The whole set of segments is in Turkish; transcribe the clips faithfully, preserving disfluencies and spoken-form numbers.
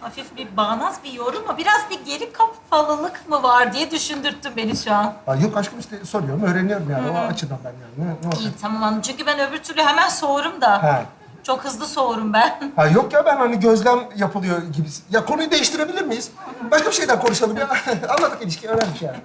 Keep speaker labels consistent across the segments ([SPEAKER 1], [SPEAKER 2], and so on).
[SPEAKER 1] hafif bir bağnaz bir yorum ama biraz bir geri kafalılık mı var diye düşündürttün beni şu an.
[SPEAKER 2] Ha, yok aşkım işte soruyorum, öğreniyorum yani. O açıdan ben yani. Ne, ne olacak?
[SPEAKER 1] İyi tamam anladım. Çünkü ben öbür türlü hemen soğurum da.
[SPEAKER 2] Ha.
[SPEAKER 1] Çok hızlı soğurum ben.
[SPEAKER 2] Ha yok ya, ben hani gözlem yapılıyor gibi. Ya konuyu değiştirebilir miyiz? Başka bir şeyden konuşalım ya. Anladık, ilişki önemli yani.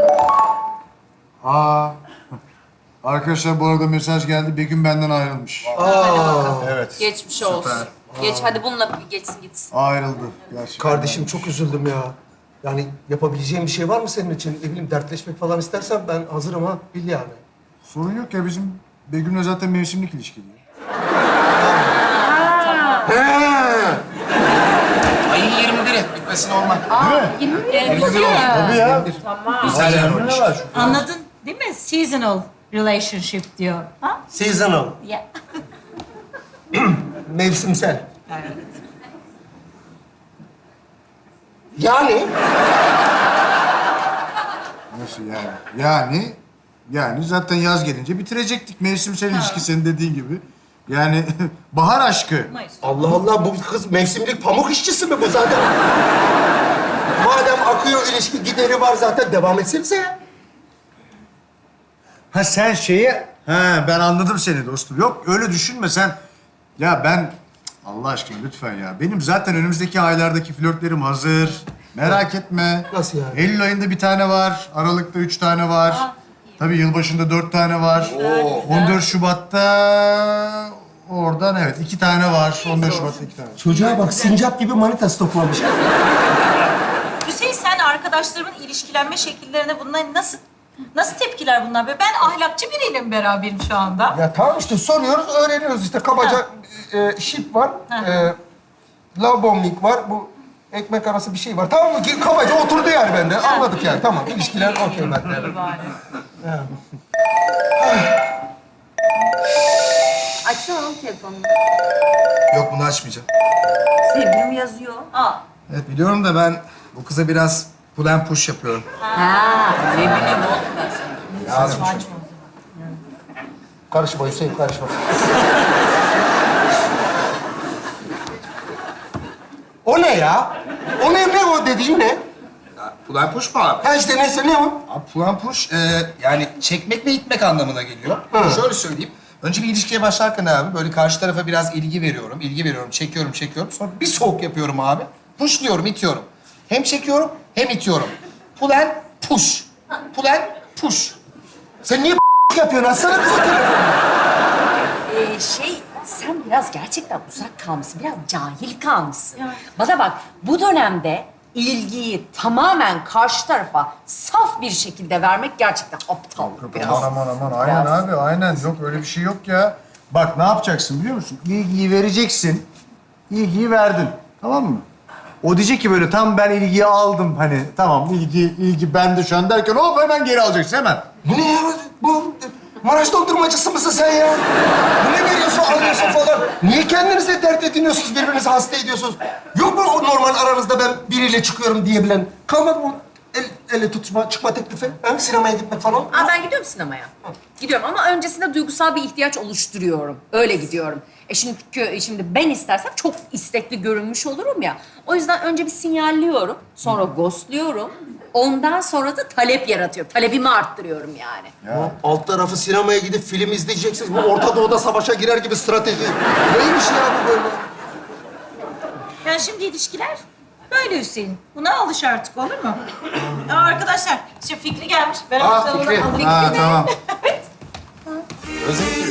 [SPEAKER 3] Aa. Arkadaşlar bu arada mesaj geldi. Begüm benden ayrılmış. Evet.
[SPEAKER 4] Geçmiş olsun. Geç hadi bununla bir geçsin gitsin.
[SPEAKER 3] Ayrıldı gerçekten.
[SPEAKER 2] Kardeşim çok üzüldüm ya. Yani yapabileceğim bir şey var mı senin için? Ne bileyim, dertleşmek falan istersen ben hazırım ha. Bil yani.
[SPEAKER 3] Sorun yok ya, bizim Begüm'le zaten mevsimlik ilişkili.
[SPEAKER 5] Ayın yirmi biri bitmesi normal.
[SPEAKER 3] Değil mi?
[SPEAKER 4] Değil mi?
[SPEAKER 3] Tabii ya.
[SPEAKER 5] Güzel
[SPEAKER 3] Ne var?
[SPEAKER 1] Anladın değil mi? Seasonal relationship diyor. Ha?
[SPEAKER 2] Seasonal.
[SPEAKER 1] Ya.
[SPEAKER 2] Mevsimsel.
[SPEAKER 1] Evet.
[SPEAKER 2] Yani
[SPEAKER 3] Nasıl yani? Yani, yani zaten yaz gelince bitirecektik mevsimsel ilişki senin dediğin gibi. Yani bahar aşkı.
[SPEAKER 1] Mayıs.
[SPEAKER 2] Allah Allah, bu kız mevsimlik pamuk işçisi mi bu zaten? Madem akıyor ilişki, gideri var zaten, devam etsenize ya.
[SPEAKER 3] Ha sen şeyi... Ha ben anladım seni dostum. Yok öyle düşünme sen. Ya ben... Allah aşkına lütfen ya. Benim zaten önümüzdeki aylardaki flörtlerim hazır. Merak etme.
[SPEAKER 2] Nasıl yani?
[SPEAKER 3] Eylül ayında bir tane var. Aralık'ta üç tane var.
[SPEAKER 1] Aa,
[SPEAKER 3] Tabii yılbaşında dört tane var. on dört Şubat'ta... Oradan evet iki tane var. on dört Şubat'ta iki tane.
[SPEAKER 2] Çocuğa bak, sincap gibi manita stoklamış.
[SPEAKER 1] Hüseyin sen arkadaşlarımın ilişkilenme şekillerine bunlar nasıl nasıl tepkiler bunlar? Be? Ben ahlakçı biriyle beraberim şu anda.
[SPEAKER 2] Ya tamam işte, soruyoruz, öğreniyoruz işte. Kabaca e, şip var, e, love bombing var, bu ekmek arası bir şey var. Tamam mı? Kabaca oturdu yani bende. Anladık yani, tamam. İlişkiler okey bende.
[SPEAKER 4] Açsana oğlum telefonunu.
[SPEAKER 5] Yok, bunu açmayacağım.
[SPEAKER 4] Sevgilim yazıyor.
[SPEAKER 1] Aa.
[SPEAKER 5] Evet biliyorum da ben bu kıza biraz pull and push yapıyorum.
[SPEAKER 4] Ha, ne bileyim oğlum ben sana.
[SPEAKER 5] Lazım.
[SPEAKER 2] Karışma Hüseyin, karışma. O ne ya? O ne, ne o dediğin ne?
[SPEAKER 5] Pull and push mu abi?
[SPEAKER 2] Ha işte neyse, ne o?
[SPEAKER 5] Abi pull and push e, yani çekmek ve itmek anlamına geliyor.
[SPEAKER 2] Hı.
[SPEAKER 5] Şöyle söyleyeyim. Önce bir ilişkiye başlarken abi böyle karşı tarafa biraz ilgi veriyorum, ilgi veriyorum, çekiyorum, çekiyorum. Sonra bir soğuk yapıyorum abi. Pushluyorum, itiyorum. Hem çekiyorum hem itiyorum. Pull and push. Pull and push.
[SPEAKER 2] Sen niye yapıyorsun? Açsana kızı telefonu.
[SPEAKER 4] Ee, şey, sen biraz gerçekten uzak kalmışsın, biraz cahil kalmışsın. Bana bak, bu dönemde ilgiyi tamamen karşı tarafa saf bir şekilde vermek gerçekten aptallık biraz.
[SPEAKER 3] Aman aman aman. Aynen
[SPEAKER 4] Biraz.
[SPEAKER 3] abi aynen. Yok öyle bir şey yok ya. Bak ne yapacaksın biliyor musun? İlgiyi vereceksin. İlgiyi verdin. Tamam mı? O diyecek ki böyle tam ben ilgiyi aldım hani tamam ilgi ilgi bende şu an derken hop hemen geri alacaksın hemen.
[SPEAKER 2] Bu ne ya? Bu Maraş dondurmacısı mısın sen ya? Bu ne veriyorsun, alıyorsun falan? Niye kendinize dert ediniyorsunuz, birbirinizi hasta ediyorsunuz? Yok mu o normal aranızda ben biriyle çıkıyorum diyebilen? Kalmadı mı el, ele tutma, çıkma teklifi? Ha? Sinemaya gitmek falan?
[SPEAKER 4] Aa, ben gidiyorum sinemaya. Gidiyorum ama öncesinde duygusal bir ihtiyaç oluşturuyorum. Öyle gidiyorum. E çünkü şimdi ben istersem çok istekli görünmüş olurum ya. O yüzden önce bir sinyalliyorum, sonra ghostluyorum. Ondan sonra da talep yaratıyorum. Talebimi arttırıyorum yani.
[SPEAKER 2] Ya. Alt tarafı sinemaya gidip film izleyeceksiniz. Bu Orta Doğu'da savaşa girer gibi strateji. Neymiş ya bu böyle?
[SPEAKER 1] Yani şimdi ilişkiler böyle Hüseyin. Buna alış artık olur mu? Aa, arkadaşlar şimdi Fikri gelmiş. Ben
[SPEAKER 2] Aa,
[SPEAKER 1] onu
[SPEAKER 2] Fikri.
[SPEAKER 1] alayım.
[SPEAKER 3] Ha tamam.
[SPEAKER 5] Özledim.